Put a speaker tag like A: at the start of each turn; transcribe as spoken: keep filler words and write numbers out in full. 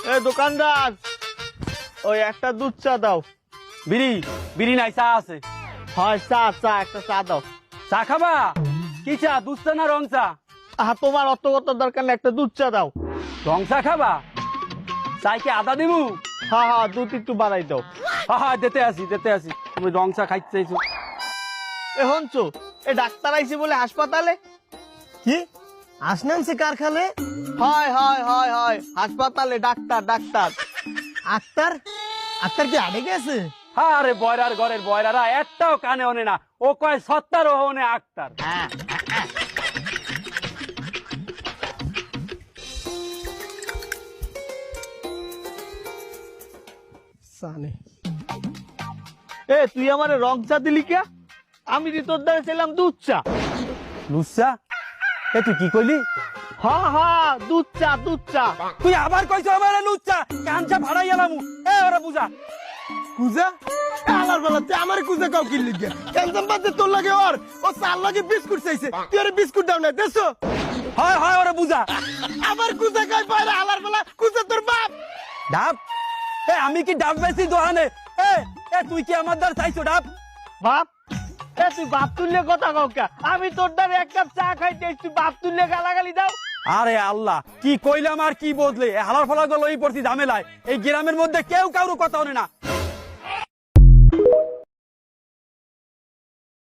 A: এ দোকানদার, ওই একটা দুধ চা দাও।
B: বিড়ি বিড়ি নাই, চা আছে।
A: হয় চা, চা একটা চা দাও।
B: চা খাবা? কি চা, দুধ চা না রং চা?
A: আহা, তোমার অত কত দরকার না, একটা দুধ চা দাও।
B: রং চা খাবা? চাই কি আদা দিবু?
A: হ্যাঁ হ্যাঁ, দুধ একটু বাড়াই দাও।
B: হ্যাঁ হ্যাঁ, দিতে আসি দিতে আসি। তুমি রং চা খাইতে চাইছো?
A: এ হনছো, এ ডাক্তার আইছে বলে হাসপাতালে।
C: কি আসনানছে কারখানে?
A: হয় হয় হয় হয়, হাসপাতালে ডাক্তার ডাক্তার।
C: আক্তার আক্তার কি আড়ে গেছে?
B: আরে বয়রার ঘরের বয়রারা একটাও কানে ওনে না, ও কয় সত্তার ও ওনে আক্তার।
C: জানে
A: এ তুই আমারে রং চা দিলি কে? আমি দি তোর দ্বারা ছিলাম দুধ চা।
B: লুচ্চা? এ তুই কি কইলি?
A: হ্যাঁ হ্যাঁ, দুধ চা দুধ চা।
B: তুই আবার কইছো আমার লুচ্চা? কানচা ভাড়াই এলাম। এ ওরা বুঝা।
C: কুজা আলার বেলাতে আমার কুজা কাউ কিনলি গে কেনজাম বাদে তোর লাগে ওর ও চার লাগে বিস্কুট চাইছে, তুই আরে বিস্কুট দাও না দেছো?
B: হয় হয়, ওরা বুঝা।
C: আবার কুজা খাই পায়রা আলার বেলা, কুজা তোর বাপ।
B: ডাব? এ আমি কি ডাব বেশি দোহানে? এ এ তুই কি আমার দ্বার চাইছো ডাব?
A: বাপ? এ তুই বাপ তুললে কথা কও কে? আমি তোর দ্বারা এক কাপ চা খাইতে এসে তুই বাপ তুললে গালাগালি দাও।
B: আরে আল্লাহ, কি কইলাম আর কি বদলে, হালার ফালা গেল এই পড়ছি ঝামেলায়। এই গ্রামের মধ্যে কেউ কারো কথা হনে না।